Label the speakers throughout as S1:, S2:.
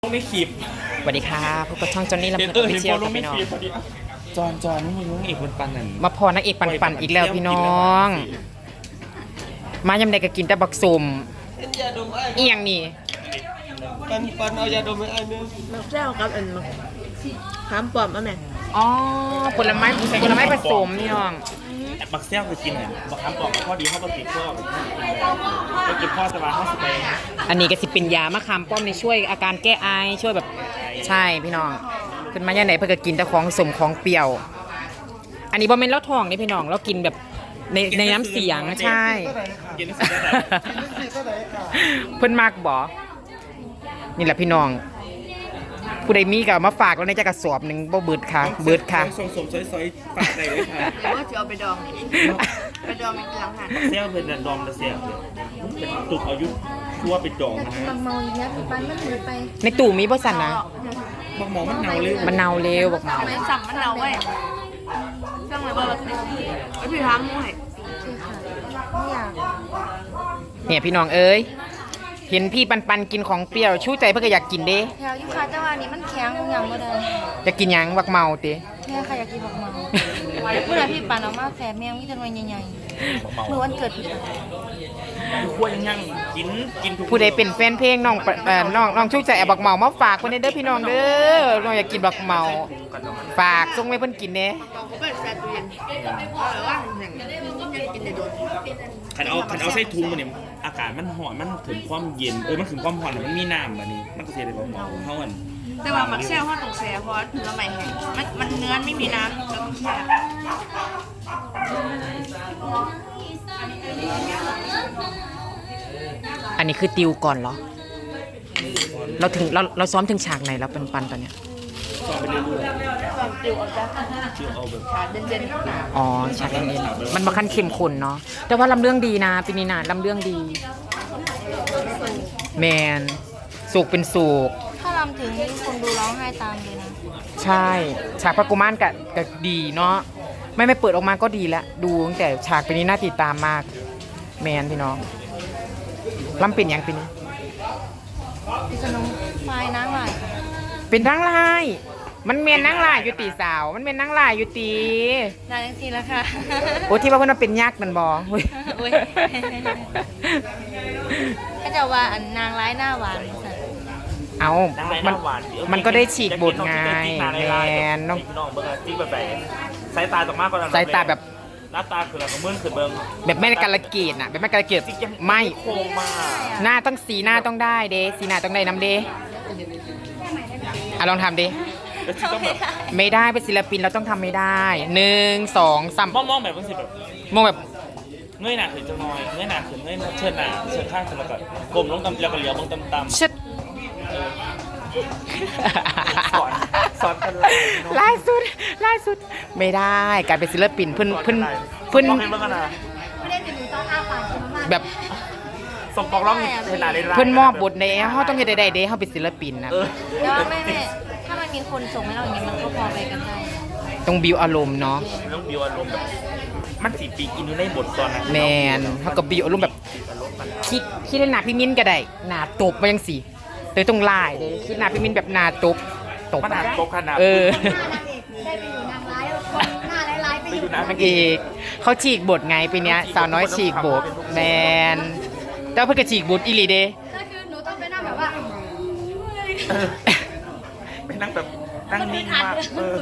S1: ไม่ขีบ
S2: สวัสดีค่ะพบกับช่องจอนนี่ลำเพลินออฟฟิเชียลกับพี่น้อง
S1: จอนไม่รู้เอกปันนั่น
S2: มาพอนักเอกปันอีกแล้วพี่น้องมายำใดก็กินแต่บักสุ่มเอียงนี่
S1: ปันเอายาดมไอ้เนี่ย
S3: มักแจ้วกับอันมักถามปอมเอาแม่
S2: อ๋อผลไม้ผสมพี่น้อง
S1: บักเซี่ยวคือกินเนี่ยบักคำบอกข้อดีเขาบักติดข้อก็กินข้อสบายข้อสบาย
S2: อันนี้ก็สิเป็นยามะขามป้อมในช่วยอาการแก้ไอช่วยแบบใช่พี่น้องขึ้นมาอย่างไหนเพื่อกินแต่ของสมของเปรี้ยวอันนี้บอมเมนแล้วทองนี่พี่น้องเรากินแบบในน้ำเสียงใช่เพิ่นมากบ่นี่แหละพี่น้องผู้ใดมีก็มาฝากแล้วในจะกระสอบหนึ่งบ่เบิดค่ะเบิดค่ะ
S1: ส่งซอยฝากได้เลยค่ะ
S3: แต่ว่าจะเอาไปดองไปดองในหลังหัน
S1: เซี่ยวเป็นดองเซี่ยวเป็นตุกอายุทั่วไปดองนะฮะ
S3: เมาอย่างเงี้ยปันมันหนีไป
S2: ในตู้มีบ่สั่นนะ
S1: บักหมอมันเน่าเลย
S2: มันเน่าเร็วบักหมอ
S3: ไม่สั่งมันเน่าไว้สั่งเลยบ่ไอ้พี่ถามหน่อยไม่อยาก
S2: เนี่ยพี่น้องเอ้ยเห็นพี่ปันกินของเปรี้ยวชูใจเพื่ออยากกินเด้
S3: แถวยุคาแต่ว่านี้มันแข็งอย่างบ่ได้
S2: อยากกินยังบักเมาติ
S3: แม่ค่ะอยากกินบักเมาเมื่อพี่ปันเอามาแฝงแมงมีแต่หน่วยใหญ่ๆเมื่อวันเกิดพี่
S1: ควรยังกิน
S2: ผู้ใดเป็นแฟนเพลงน้องชูใจเอาบักเมามาฝากคนนี้เด้อพี่น้องเด้อน้องอยากกินบักเมาฝากส่งให้เพิ่นกินเด้
S1: ขันเอาใส่ถุงมันเนี่ยอากาศมันหอนมันถึงความเย็นมันถึงความหอนมันมีน้ำแบบนี้มันก็เสียเลยหมอเขาอัน
S3: แต่ว่ามักแช่ห้อตรงแช่เพราะถึงละใหม่แห้งมันเนื้อไม่มีน้ำแล้วต้องแช่
S2: อันนี้คือติวก่อนเหรอเราซ้อมถึงฉากไหนแล้วปันตอนเนี้ย
S1: ซ้อมไปเรื่อยๆ
S3: ติวเอาจ้ะ
S1: ติวเอาแบบ
S3: เด่น
S2: อ๋อฉากเด่นๆมันมาขั้นเข้มข้นเนาะแต่ว่าลำเรื่องดีนะปีนี้นะลำเรื่องดีแมนสุกเป็นสุก
S3: ถ้าลำถึงคนดูร้องไห้ตามเลยนะ
S2: ใช่ฉากพระกุมารก็ดีเนาะไม่เปิดออกมาก็ดีแล้วดูตั้งแต่ฉากปีนี้น่าติดตามมากแมนพี่น้องลำเป็นอย่างปีนี้
S3: พิษณุไฟนางลาย
S2: เป็นนางลายมันเมียนนางลายอยู่ตีสาวมันเป็นนางลายอยู่ตี
S3: นางจังสีแล้วค่ะ
S2: โอ้ที่ว่าเพิ่นเป็นยักษ์นั่นบ่
S3: ก็จะว่าอันนางร้ายหน้าหวาน
S2: เอามันก็ได้ฉีกบทไงแมนน้อง
S1: เบิ้งจิ๊กแบบสายตาตกมากกว่า
S2: สายตาแบบ
S1: หน้าตาคือเราเมื่อคืนเบิ้ง
S2: แบบไม่การละเกียดน่ะแบบไม่การละเกียดไม่
S1: โค้งมาก
S2: หน้าต้องสีหน้าต้องได้เด้สีหน้าต้องได้น้ำเด้ลองทำดิไม่ได้เป็นศิลปินเราต้องทำไม่ได้1 2 3
S1: มองแบบว่าสิแบบ
S2: มองแบบ
S1: เงยหน้าขึ้นจะน้อยเงยหน้าขึ้นเงยเชิดหน้าเชิดข้างขึ้นแล้วก็กลมลงตำแล้วก็เหลียวมองตำ
S2: ชิด
S1: สอนกัน
S2: ล่าสุดไม่ได้การเป็นศิลปินเพิ่นแบบ
S1: สมปองร้องเวลา
S2: เพิ่นมอบบทในเฮาต้องเฮ็ดได้เด้เฮาเป็นศิลปินนะ
S3: แล้วไม่ถ้ามันมีคนส่งให้เราอย่างนี้มันก็พอไปกันได้
S2: ต้องบิวอารมณ์เนาะ
S1: ต้องบิวอารมณ์แบบมันสิปีกินอยู่ในบทตอนนั้น
S2: แมนเฮาก็บิวอารมณ์แบบคิดหน้าพี่มิ้นก็ได้หน้าตบมาจังซี่เลยต้องลายเลยคิดหน้าพี่มิ้นแบบหน้าตบ
S1: มันหน้าตบขนาด
S3: ได้ไปอยู่นางร้ายคนหน้าร้ายไปอยู่
S2: นางเอกเขาฉีกบทไงปีนี้สาวน้อยฉีกบทแมนแต่เพิ่งจะฉีกบทอีหลีเด้
S3: ก็คือหนูต้องไปนั่งแบบว่า
S1: ไปนั่งแบบนั่งนิ่งมาก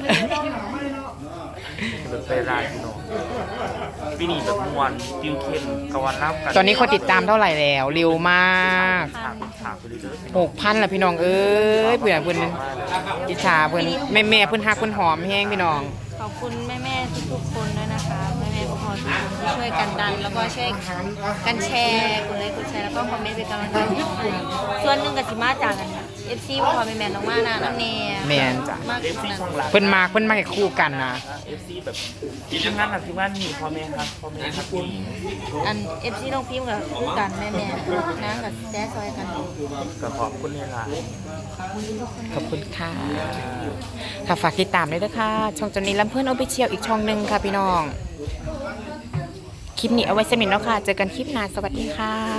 S1: แบบไปรายพี่น้องปีนี้แบบมวนติวเข้มกวนรับกัน
S2: ตอนนี้คนติดตามเท่าไหร่แล้วเร็วมาก6,000ละพี่น้องเอ้ยเพื่อนอิจฉาเพื่อนแม่เพื่อนฮักเพื่อนหอมแห้งพี่น้อง
S3: ขอบคุณแม่ทุกคนด้วยนะคะแม่พ่อทุกคนที่ช่วยกันดันแล้วก็ช่วยกันแชร์กดไลค์กดแชร์แล้วก็คอมเมนต์เป็นกำลังใจส่วนหนึ่งกับสิมาจากกันFC พ่อแม่น้องมานะน้ำเนย
S2: แมนจ้ะ
S1: FC ช่องหลัก
S2: เพิ่นมาคู่กันนะ
S1: FC แบบทีมงานทีมงานนี่พ่อแม่ครับ
S3: อัน FC น้องพิมพ์กับคู่กันแม่นะกับแจ๊ซอยกัน
S1: ก็ขอบคุณนี่ล่ะ
S2: ขอบคุณค่ะค่ะฝากติดตามด้วยนะคะช่องจอนนี่ลำเพื่อนออฟฟิเชียลอีกช่องหนึ่งค่ะพี่น้องคลิปนี้เอาไว้สมิธแล้วค่ะเจอกันคลิปหน้าสวัสดีค่ะ